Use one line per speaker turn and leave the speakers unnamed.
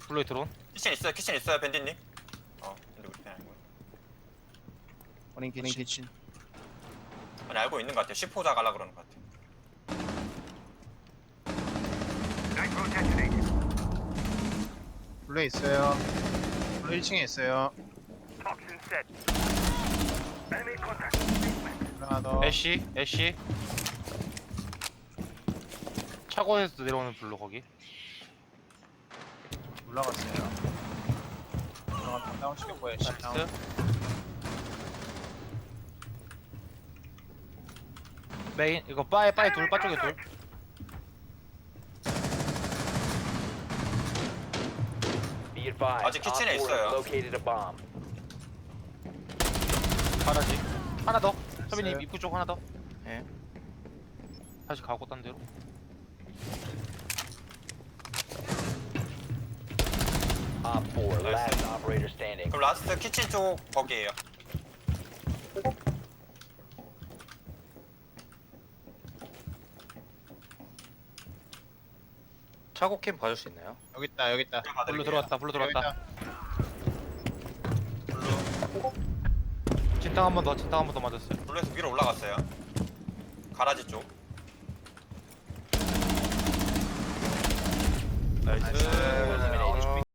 블루에 드론.
키친 있어요 밴디님. 근데 우리 편 아니고.
원인 키친.
아니 알고 있는 것 같아요. 10호 자갈라 그러는 것 같아요.
블루에 있어요. 블루 1층에 있어요. 하나 더.
애쉬. 차고에서 내려오는 블루 거기.
올라갔어요. 올라갔다 다운 시켰고 애쉬 다운.
나이스. 메인 이거 바에 둘, 바 쪽에 둘.
Be advised,
아직 키친에
Op 4
있어요.
has located a bomb.
가라지. 하나 더.
있어요.
서빈님 입구 쪽 하나 더. 예. 다시 가고 딴 데로.
Op 4, last operator standing.
그럼 라스트 키친 쪽 거기에요.
차고 캠 봐줄 수 있나요?
여기 있다.
블루 들어왔다.
여기 있다.
진탕 한 번 더 맞았어요.
블루에서 위로 올라갔어요. 가라지 쪽.
나이스.
Eliminated.